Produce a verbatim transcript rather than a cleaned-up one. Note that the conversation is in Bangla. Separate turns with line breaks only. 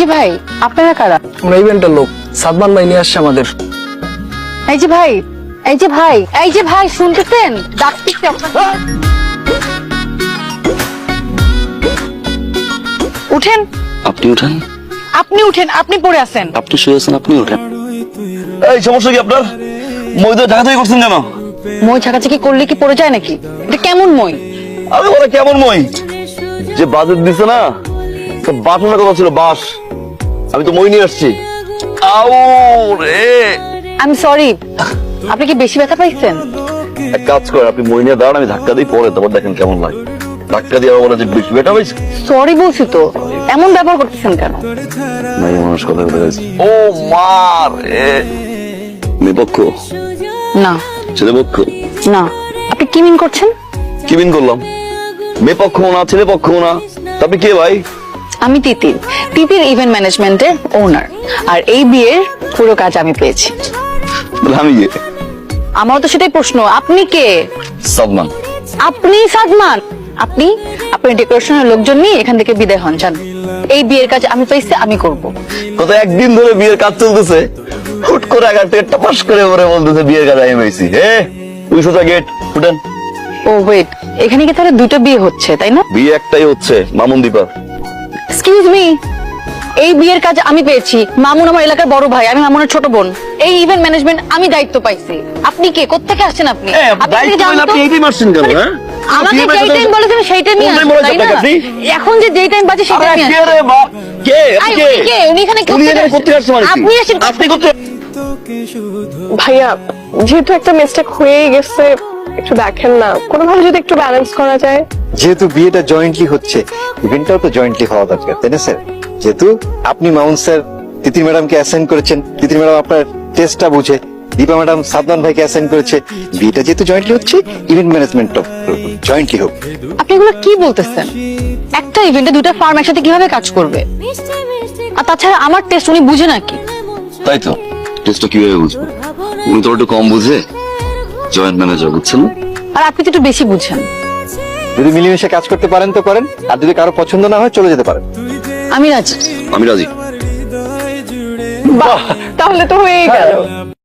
যে ভাই, আপনারা কারা?
আমরা ইভেন্টের লোক, সাদমান ভাই নিয়ে আসছে আমাদের।
এই যে ভাই, এই যে ভাই, এই যে ভাই, শুনতেছেন? ডাকতেছি আপনাকে। উঠেন।
আপনি উঠেন।
আপনি উঠেন, আপনি পড়ে আছেন।
আপনি শুয়ে আছেন, আপনি উঠেন।
এই সমস্যা কি আপনার? মই তো ঢাকা থেকে করছেন কেন?
মই ছাকাছাকি করলে কি পড়ে যায় নাকি? এটা কেমন মই?
আরে বলে কেমন মই? যে বাজেট দিছে না, বাসনের কথা ছিল বাস। আমি তো মই নিয়ে আসছি। আউ রে,
আমি সরি, আপনি কি বেশি ব্যথা পাইছেন?
এক কাজ করেন, আপনি মই নিয়ে দাঁড়ান, আমি ধাক্কা দিই, পরে তারপর দেখেন কেমন লাগে। ধাক্কা দিয়ে আবার বলে যে বেশি বেটা হয়েছে।
সরি বলছি তো, এমন ব্যবহার করতেছেন কেন?
নাই মানুষ কথা বলে গেছে। ও মা রে, মেয়ে পক্ষ
না
ছেলে পক্ষ?
না, আপনি কি মিন করছেন?
কি বিন করলাম? মেয়ে পক্ষ না ছেলে পক্ষ না, তা আপনি কে ভাই?
আমি তিতির, তিতির ইভেন্ট ম্যানেজমেন্টের ওনার। আর এই বিয়ের পুরো কাজ আমি পেয়েছি।
তাহলে আমি কে?
আমার তো সেটাই প্রশ্ন, আপনি কে?
সাদমান।
আপনি সাদমান? আপনি আপনার ডেকোরেশনের লোকজন নিয়ে এখান থেকে বিদায় হন, যান। এই বিয়ের কাজ আমি পেয়েছি, আমি করব।
গত একদিন ধরে বিয়ের কাজ চলতেছে, হুট করে আগার থেকে টাপাস করে পরে বলতেছে বিয়ের কাজ আমি পেয়েছি। হে তুই সোজা গেট ফুটেন।
ও ওয়েট, এখানে কি তাহলে দুটো বিয়ে হচ্ছে, তাই না?
বিয়ে একটাই হচ্ছে, মামুন দীপা।
এক্সকিউজ মি, এই বিয়ের কাজ আমি পেয়েছি। মামুন আমার এলাকার বড় ভাই, আমি মামুনের ছোট বোন। এই ইভেন্ট ম্যানেজমেন্ট আমি দায়িত্ব পাইছি। আপনি কে, কোত্থেকে আসছেন আপনি? আপনি কি জানেন তো? আমাকে যেই টাইম বলেছেন সেই টাইমই
কোন time
আসবেন,
বলেছেন
তাই না?
আপনাকে আপনি?
এখন যে যেই টাইম বাজে সেই
আরে
টাইমই
কে
আসবেন।
রে বা কে?
আই,
আপনি কে?
উনি কে? উনি এখানে
উনি
কোত্থেকে
এখানে
আসছেন?
কোত্থেকে আসছেন মানে কি?
আপনি আসেন।
আপনি কোত্থেকে?
ভাইয়া, যেহেতু একটা মিস্টেক হয়েই গেছে, একটু দেখেন না, কোনোভাবে যদি একটু ব্যালেন্স করা যায়।
যেহেতু বিয়েটা জয়েন্টলি হচ্ছে, ইভেন্টটাও তো জয়েন্টলি হওয়া দরকার, তাই না স্যার? যেহেতু আপনি মাউন্ট স্যার তিতির ম্যাডামকে অ্যাসাইন করেছেন, তিতির ম্যাডাম আপনার টেস্টটা বুঝে, দীপা ম্যাডাম সাদমান ভাইকে অ্যাসাইন করেছে, বিয়েটা যেহেতু জয়েন্টলি হচ্ছে, ইভেন্ট ম্যানেজমেন্টও জয়েন্টলি হোক।
আপনি এগুলো কি বলতেছেন? একটা ইভেন্টে দুটো ফার্ম একসাথে কিভাবে কাজ করবে? আর তাছাড়া আমার টেস্ট উনি বুঝে নাকি?
তাই তো, টেস্টটা কিভাবে বুঝবো? উনি তো একটু কম বুঝে, জয়েন্ট ম্যানেজার, বুঝছেন না?
আর আপনি তো একটু বেশি বুঝেন।
যদি মিলেমিশে কাজ করতে পারেন তো করেন, আর যদি কারো পছন্দ না হয় চলে যেতে পারেন।
আমি রাজি।
আমি রাজি।
বাহ, তাহলে তো হয়েই গেল।